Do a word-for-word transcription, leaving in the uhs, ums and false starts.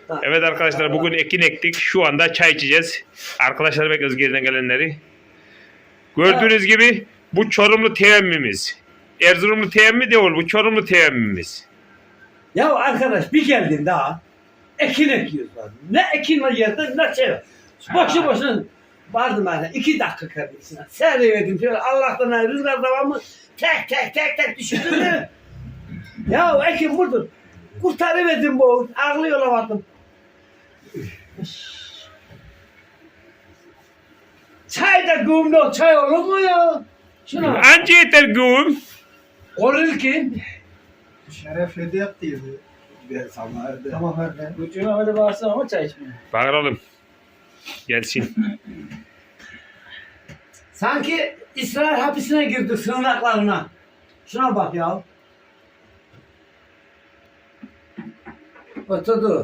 Evet arkadaşlar bugün ekin ektik. Şu anda çay içeceğiz. Arkadaşlar bekliyoruz geriden gelenleri. Gördüğünüz gibi bu Çorumlu teyemmimiz. Erzurumlu teyemmi değil, bu Çorumlu teyemmimiz. Ya arkadaş bir geldin daha ekin ekiyoruz. Ne ekin var yerde ne şey var. Boşu boşuna vardım ben iki dakika kardeşine. Seyrededim şöyle Allah'tan ayrı rüzgar devamı tek tek tek tek düşürdüm değil mi? Ya ekin vurdun. Kurtarıverdim bu. Ağlıyorlamadım. Çay da gümrük çay olur mu ya? Şuna bak. Anca yeter güğüm. Olur ki. Şeref hediye yaptıydı. Ben sana Tamam hadi. Ucuna öyle bağırsın ama çay içmiyor. Bağıralım. Gelsin. Sanki İsrail hapisine girdi sığınaklarına. Şuna bak ya. Oturdu.